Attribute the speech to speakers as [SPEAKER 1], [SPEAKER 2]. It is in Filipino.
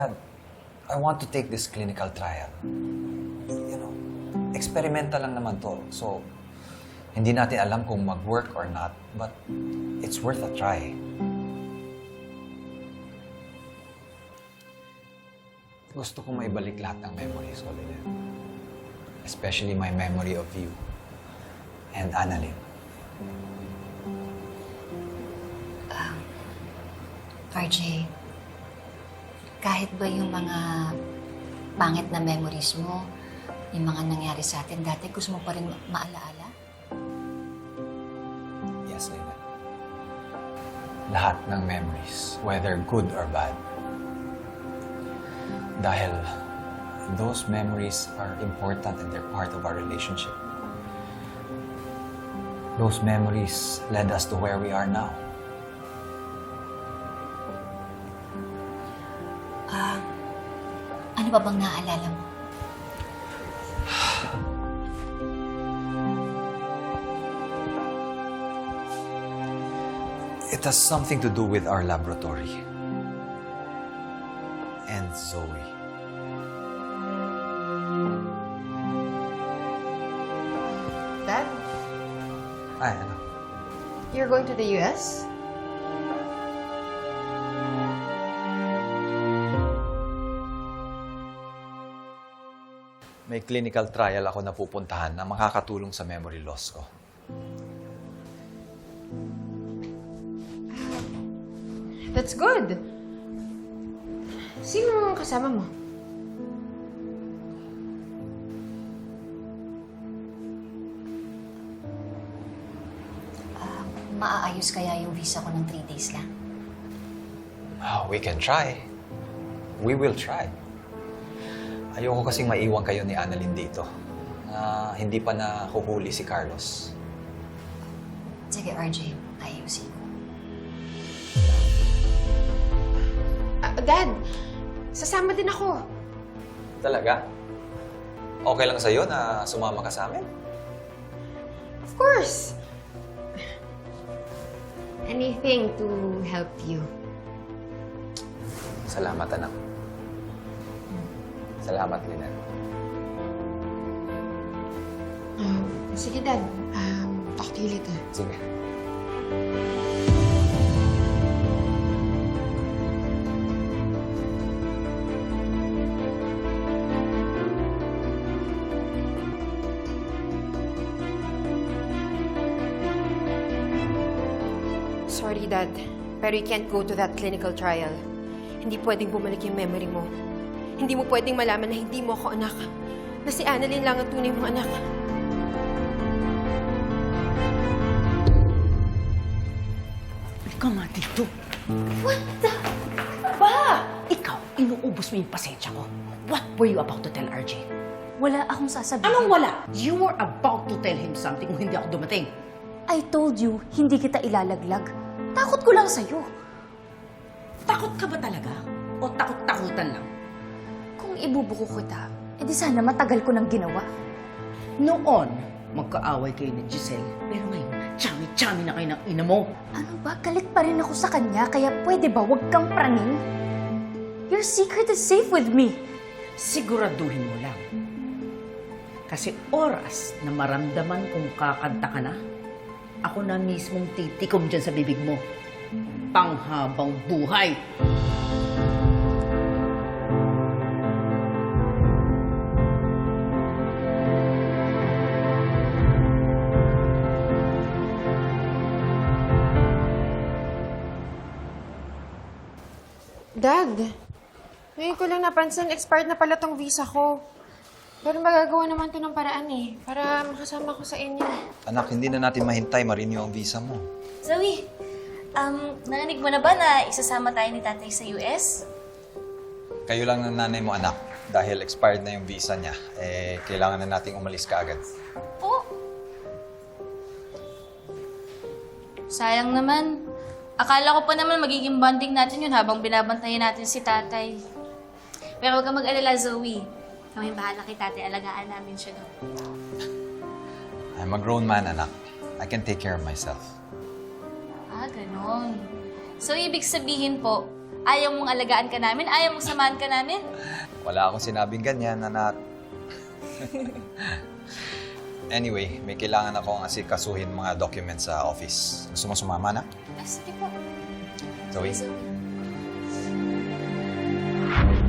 [SPEAKER 1] I want to take this clinical trial. You know, experimental lang naman to. So, hindi natin alam kung mag-work or not, but it's worth a try. Gusto ko maibalik lahat ng memories ko, Lynette. Especially my memory of you and Annalyn.
[SPEAKER 2] RJ, kahit ba yung mga pangit na memories mo, yung mga nangyari sa atin dati, gusto mo pa rin maalaala?
[SPEAKER 1] Yes, Lynette. Lahat ng memories, whether good or bad. Dahil those memories are important and they're part of our relationship. Those memories led us to where we are now.
[SPEAKER 2] Ano ba bang naaalala mo?
[SPEAKER 1] It has something to do with our laboratory. And Zoe.
[SPEAKER 3] Dad,
[SPEAKER 1] Ay, ano?
[SPEAKER 3] you're going to the US?
[SPEAKER 1] May clinical trial ako na pupuntahan na makakatulong sa memory loss ko.
[SPEAKER 3] That's good. Sino ang kasama mo?
[SPEAKER 2] Maaayos kaya yung visa ko ng 3 days lang?
[SPEAKER 1] We can try. We will try. Ayoko kasing maiwan kayo ni Annalyn dito. Hindi pa nahuhuli si Carlos.
[SPEAKER 2] Sige, RJ, ayusin ko.
[SPEAKER 3] Dad, sasama din ako.
[SPEAKER 1] Talaga? Okay lang sa'yo na sumama ka sa amin?
[SPEAKER 3] Of course. Anything to help you.
[SPEAKER 1] Salamat, anak. Salamat, Lynette.
[SPEAKER 3] Sige, Dad. Talk to you later.
[SPEAKER 1] Sige.
[SPEAKER 3] Sorry, Dad. Pero you can't go to that clinical trial. Hindi pwedeng bumalik yung memory mo. Hindi mo pwedeng malaman na hindi mo ako anak. Na si Annalyn lang ang tunay mong anak.
[SPEAKER 4] Ikaw nga dito.
[SPEAKER 2] What the?
[SPEAKER 4] Ba? Ikaw, inuubos mo yung pasensya ko. What were you about to tell RJ?
[SPEAKER 2] Wala akong sasabihin.
[SPEAKER 4] Anong wala? You were about to tell him something kung hindi ako dumating.
[SPEAKER 2] I told you, hindi kita ilalaglag. Takot ko lang sa'yo.
[SPEAKER 4] Takot ka ba talaga? O takot-takutan lang?
[SPEAKER 2] Kung ibubuko kita, edi sana matagal ko nang ginawa.
[SPEAKER 4] Noon, magkaaway kayo ni Giselle. Pero ngayon, chami-chami na kayo ng ina mo.
[SPEAKER 2] Ano ba? Galit pa rin ako sa kanya, kaya pwede ba wag kang praning? Your secret is safe with me.
[SPEAKER 4] Siguraduhin mo lang. Kasi oras na maramdaman kung kakanta ka na, ako na mismong titikom dyan sa bibig mo. Panghabang buhay.
[SPEAKER 3] Dad, ngayon ko lang napansin, expired na pala tong visa ko. Pero magagawa naman to ng paraan eh, para makasama ko sa inyo.
[SPEAKER 1] Anak, hindi na natin mahintay ma-renew ang visa mo.
[SPEAKER 5] Zoe, narinig mo na ba na isasama tayo ni tatay sa US?
[SPEAKER 1] Kayo lang ng nanay mo, anak. Dahil expired na yung visa niya, kailangan na nating umalis kaagad.
[SPEAKER 5] Oh! Sayang naman. Akala ko pa naman magiging bonding natin yun habang binabantayan natin si tatay. Pero huwag kang mag-alala, Zoe. Kami bahala kay tatay, alagaan namin siya doon.
[SPEAKER 1] I'm a grown man, anak. I can take care of myself.
[SPEAKER 5] Ah, ganon. So, ibig sabihin po, Ayaw mong alagaan ka namin? Ayaw mong samahan ka namin?
[SPEAKER 1] Wala akong sinabing ganyan, anak. Anyway, may kailangan akong asikasuhin mga documents sa office. Gusto mo sumama na?
[SPEAKER 5] Ah, sige po.
[SPEAKER 1] Zoe?
[SPEAKER 5] Zoe.